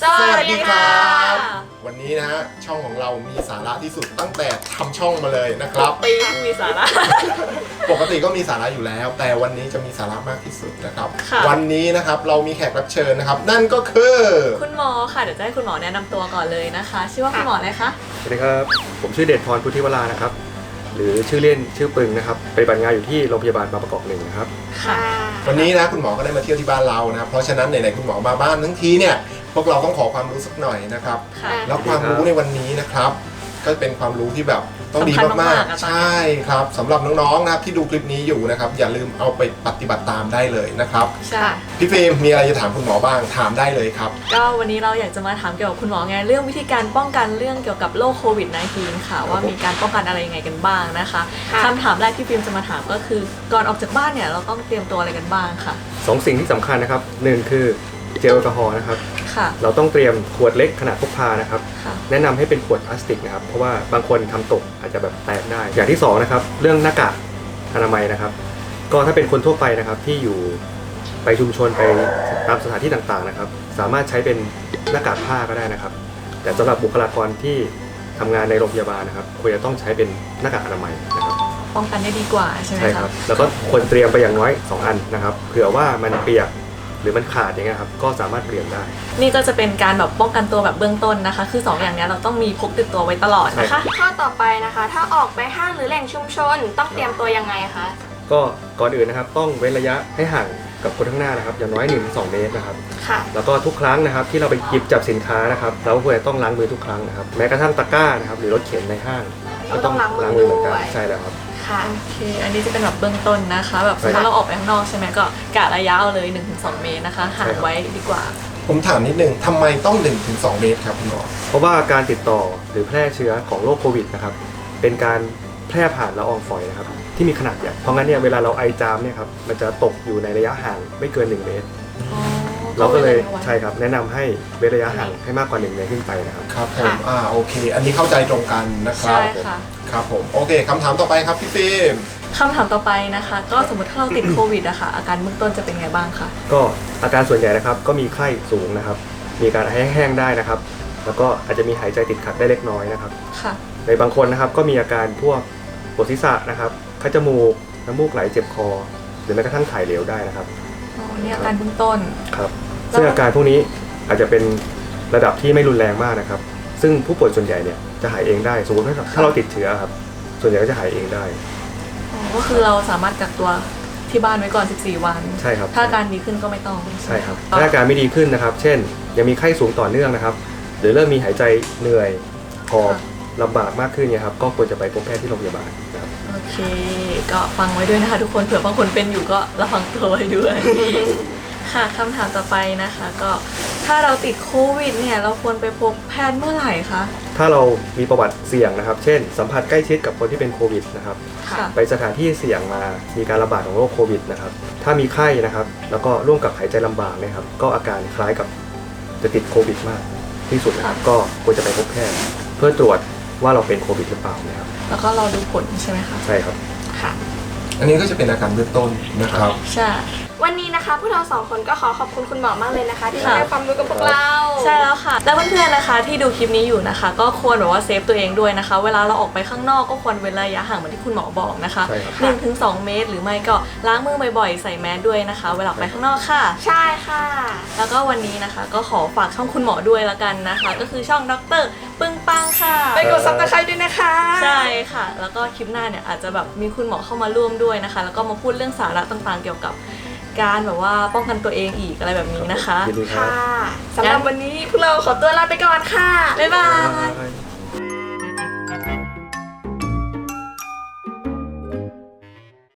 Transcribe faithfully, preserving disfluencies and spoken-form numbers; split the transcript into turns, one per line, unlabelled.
วัสดีครับวันนี้นะฮะช่องของเรามีสาระที่สุดตั้งแต่ทำช่องมาเลยนะครับ
ปีมีสาระ
ปกติก็มีสาระอยู่แล้ว แต่วันนี้จะมีสาระมากที่สุดนะครับวันนี้นะครับเรามีแขกรับเชิญนะครับนั่นก็คือ
คุณหมอค่ะเดี๋ยวจะให้คุณหมอแนะนำตัวก่อนเลยนะคะชื่อว่าคุณหมออะไรคะ
สวัสดีครับผมชื่อเดชพรพุทธิวรานะครับหรือชื่อเล่นชื่อปึงนะครับปฏิบัติงานอยู่ที่โรงพยาบาลบางประกอบหนึ่งนะครับ
ค่ะ
วันนี้นะคุณหมอก็ได้มาเที่ยวที่บ้านเรานะเพราะฉะนั้นไหนๆคุณหมอมาบ้านทั้งทีเนี่ยพวกเราต้องขอความรู้สักหน่อยนะครับแล้วความรู้ในวันนี้นะครับก็เป็นความรู้ที่แบบต้องดีมากๆใช่ครับสำหรับน้องๆนะครับที่ดูคลิปนี้อยู่นะครับอย่าลืมเอาไปปฏิบัติตามได้เลยนะครับ
ใช่
พี่ฟิล์มมีอะไรจะถามคุณหมอบ้างถามได้เลยครับ
ก็วันนี้เราอยากจะมาถามเกี่ยวกับคุณหมอไงเรื่องวิธีการป้องกันเรื่องเกี่ยวกับโรคโควิด สิบเก้า ค่ะว่ามีการป้องกันอะไรยังไงกันบ้างนะคะคำถามแรกที่ฟิล์มจะมาถามก็คือก่อนออกจากบ้านเนี่ยเราต้องเตรียมตัวอะไรกันบ้างค่ะ
สองสิ่งที่สำคัญนะครับหนึ่งคือเจลแอลกอฮอล์นะครับเราต้องเตรียมขวดเล็กขนาดพกพานะครับแนะนำให้เป็นขวดพลาสติกนะครับเพราะว่าบางคนทำตกอาจจะแบบแตกได้อย่างที่สองนะครับเรื่องหน้ากากอนามัยนะครับก็ถ้าเป็นคนทั่วไปนะครับที่อยู่ไปชุมชนไปตามสถานที่ต่างๆนะครับสามารถใช้เป็นหน้ากากผ้าก็ได้นะครับแต่สำหรับบุคลากรที่ทำงานในโรงพยาบาลนะครับควรจะต้องใช้เป็นหน้ากากอนามัยนะครับ
ป้องกันได้ดีกว่าใช่ไหม
ใช่ครับแล้วก็ควรเตรียมไปอย่างน้อยสองอันนะครับเผื่อว่ามันเปียกหรือมันขาดอย่างเงี้ยครับก็สามารถเปลี่ยนได้
นี่ก็จะเป็นการแบบป้องกันตัวแบบเบื้องต้นนะคะคือสองอย่างนี้เราต้องมีพกติดตัวไว้ตลอดนะคะ
ข้อต่อไปนะคะถ้าออกไปห้างหรือแหล่งชุมชนต้องเตรียมตัวยังไงคะ
ก็ก่อนอื่นนะครับต้องเว้นระยะให้ห่างกับคนข้างหน้านะครับอย่างน้อย หนึ่งถึงสอง เมตรนะครับ
ค่ะ
แล้วก็ทุกครั้งนะครับที่เราไปหยิบจับสินค้านะครับเราควรจะต้องล้างมือทุกครั้งนะครับแม้กระทั่งตะกร้านะครับหรือรถเข็นในห้าง
ก็ต้องล้างมือเหมือนกัน
ใช่แล้วครับ
โอเคอันนี้จะเป็นแบบเบื้องต้นนะคะแบบสมมติเราออกไปข้างนอกใช่ไหมก็กะระยะเอาเลย หนึ่งถึงสอง เมตรนะคะห่างไว้ดีกว่า
ผมถามนิดนึงทำไมต้อง หนึ่งถึงสอง เมตรครับคุณหมอ
เพราะว่าการติดต่อหรือแพร่เชื้อของโรคโควิดนะครับเป็นการแพร่ผ่านละอองฝอยนะครับที่มีขนาดใหญ่เพราะงั้นเนี่ยเวลาเราไอจามเนี่ยครับมันจะตกอยู่ในระยะห่างไม่เกินหนึ่งเมตรเราก็เลยใช่ครับแนะนำให้เว้นระยะห่างให้มากกว่าหนึ่งเมตรขึ้นไปนะครับ
ครับผมอ่าโอเคอันนี้เข้าใจตรงกันนะครับ
ใช่ค่ะ
ครับผมโอเคคำถามต่อไปครับพี่ฟิล์ม
คำถามต่อไปนะคะก็สมมติถ้าเราติดโควิดอะค่ะอาการเบื้องต้นจะเป็นไงบ้างคะ
ก็อาการส่วนใหญ่นะครับก็มีไข้สูงนะครับมีการแห้งๆได้นะครับแล้วก็อาจจะมีหายใจติดขัดได้เล็กน้อยนะครับ
ค่ะ
ในบางคนนะครับก็มีอาการพวกปวดศีรษะนะครับคัดจมูกน้ำมูกไหลเจ็บคอหรือแม้กระทั่งถ่ายเหลวได้นะครับ
อ๋อนี่อาการเบื้องต้น
ครับซึ่งอาการพวกนี้อาจจะเป็นระดับที่ไม่รุนแรงมากนะครับซึ่งผู้ป่วยส่วนใหญ่เนี่ยจะหายเองได้สมมติถ้าเราติดเชื้อครับส่วนใหญ่ก็จะหายเองได้
อ๋อก็คือเราสามารถกักตัวที่บ้านไว้ก่อนสิบสี่วัน
ใช่ครับ
ถ้าอาการดีขึ้นก็ไม่ต้อง
ใช่ครับถ้าอาการไม่ดีขึ้นนะครับเช่นยังมีไข้สูงต่อเนื่องนะครับหรือเริ่มมีหายใจเหนื่อยหอบลำบากมากขึ้นเนี่ยครับก็ควรจะไปพบแพทย์ที่โรงพยาบาลนะครับ
โอเคก็ฟังไว้ด้วยนะคะทุกคนเผื่อบางคนเป็นอยู่ก็ระวังตัวไว้ด้วย ค่ะคำถามต่อไปนะคะก็ถ้าเราติดโควิดเนี่ยเราควรไปพบแพทย์เมื่อไหร่คะ
ถ้าเรามีประวัติเสี่ยงนะครับเช่นสัมผัสใกล้ชิดกับคนที่เป็นโควิดนะครับไปสถานที่เสี่ยงมามีการระบาดของโรคโควิดนะครับถ้ามีไข้นะครับแล้วก็ร่วมกับหายใจลำบากนะครับก็อาการคล้ายกับจะติดโควิดมากที่สุดนะครับก็ควรจะไปพบแพทย์เพื่อตรวจว่าเราเป็นโควิดหรือเปล่านะครับ
แล้วก็เราดูผลใช่ไหมคะ
ใช่ครับ
ค่ะ
อันนี้ก็จะเป็นอาการเบื้องต้นนะครับ
ใช่
วันนี้นะคะพวกเราสองคนก็ขอขอบคุณคุณหมอมากเลยนะคะที่ให้ความรู้กับพวกเรา
ใช่แล้วค่ะและเพื่อนๆนะคะที่ดูคลิปนี้อยู่นะคะก็ควรแบบว่าเซฟตัวเองด้วยนะคะเวลาเราออกไปข้างนอกก็ควรเว้นระยะห่างเหมือนที่คุณหมอบอกนะคะ หนึ่งถึงสอง เมตรหรือไม่ก็ล้างมือบ่อยๆใส่แมสด้วยนะคะเวลาไปข้างนอกค่ะ
ใช่ค่ะ
แล้วก็วันนี้นะคะก็ขอฝากช่องคุณหมอด้วยละกันนะคะก็คือช่องดร.ปึ้งปังค่ะ
ไปกดซับสไครบ์ด้วยนะคะ
ใช่ค่ะแล้วก็คลิปหน้าเนี่ยอาจจะแบบมีคุณหมอเข้ามาร่วมด้วยนะคะแล้วก็มาพูดเรื่องสาระต่างๆเกี่ยวกับการแบบว่าป้องกันตัวเองอีกอะไรแบบนี้นะคะ
ค่ะสำหรับวันนี้พวกเราขอตัวลาไปก่อนค่ะบ๊ายบาย